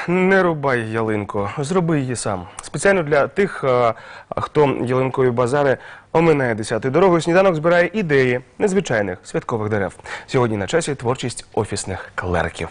Не рубай ялинку, зроби її сам. Спеціально для тих, хто ялинкові базари оминає 10-ю дорогу, сніданок збирає ідеї незвичайних святкових дерев. Сьогодні на часі творчість офісних клерків.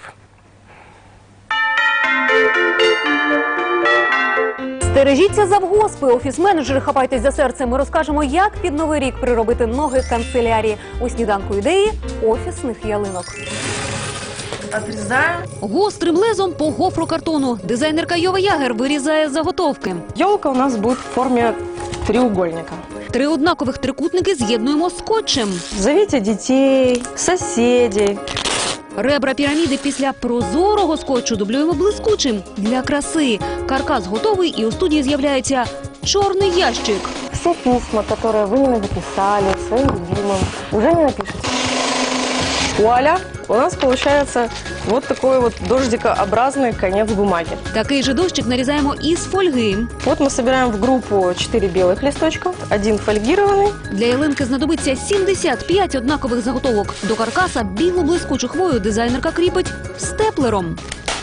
Стережіться завгоспи, офіс-менеджери, хапайтесь за серце. Ми розкажемо, як під Новий рік приробити ноги канцелярії. У сніданку ідеї офісних ялинок. Отрезаю. Гострим лезом по гофрокартону. Дизайнерка Йова Ягер вирізає заготовки. Елка у нас будет в форме треугольника. 3 однакових трикутники з'єднуємо скотчем. Зовите детей, соседей. Ребра піраміди після прозорого скотчу дублюємо блискучим. Для краси. Каркас готовий, і у студії з'являється чорний ящик. Все письма, которые вы не написали своим любимым, уже не напишите. Вуаля! У нас получается вот такой вот дождикообразный конец бумаги. Такий же дощик нарізаємо із фольги. Вот мы собираем в группу 4 белых листочка, 1 фольгированный. Для ялинки знадобиться 75 однакових заготовок. До каркаса білу блискучу хвою дизайнерка кріпить степлером.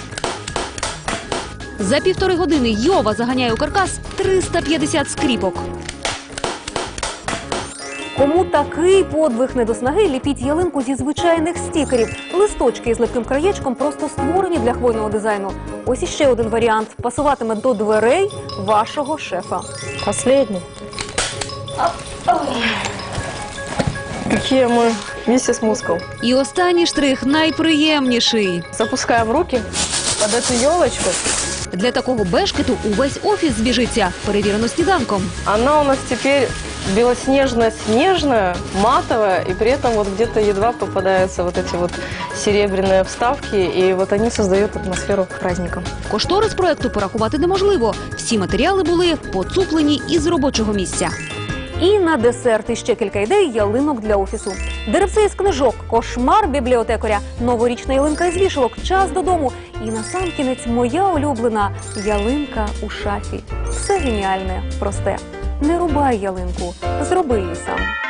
За 1,5 години Йова заганяє у каркас 350 скріпок. Кому такий подвиг не до снаги, ліпіть ялинку зі звичайних стікерів. Листочки із липким краєчком просто створені для хвойного дизайну. Ось іще один варіант. Пасуватиме до дверей вашого шефа. Последний. Какие мы миссис Мускул. І останній штрих найприємніший. Запускаем руки под эту елочку. Для такого бешкету увесь офіс збіжиться. Перевірено сніданком. Она у нас теперь белоснежно-снежная, матовая, и при этом вот где-то едва попадаются вот эти вот серебряные вставки, и вот они создают атмосферу праздника. Кошторис проекту порахувати неможливо. Всі матеріали були поцуплені із робочого місця. І на десерт іще кілька ідей ялинок для офісу. Деревце із книжок, кошмар бібліотекаря, новорічна ялинка із вішалок, час додому. І насамкінець моя улюблена ялинка у шафі. Все геніальне, просте. Не рубай ялинку, зроби її сам.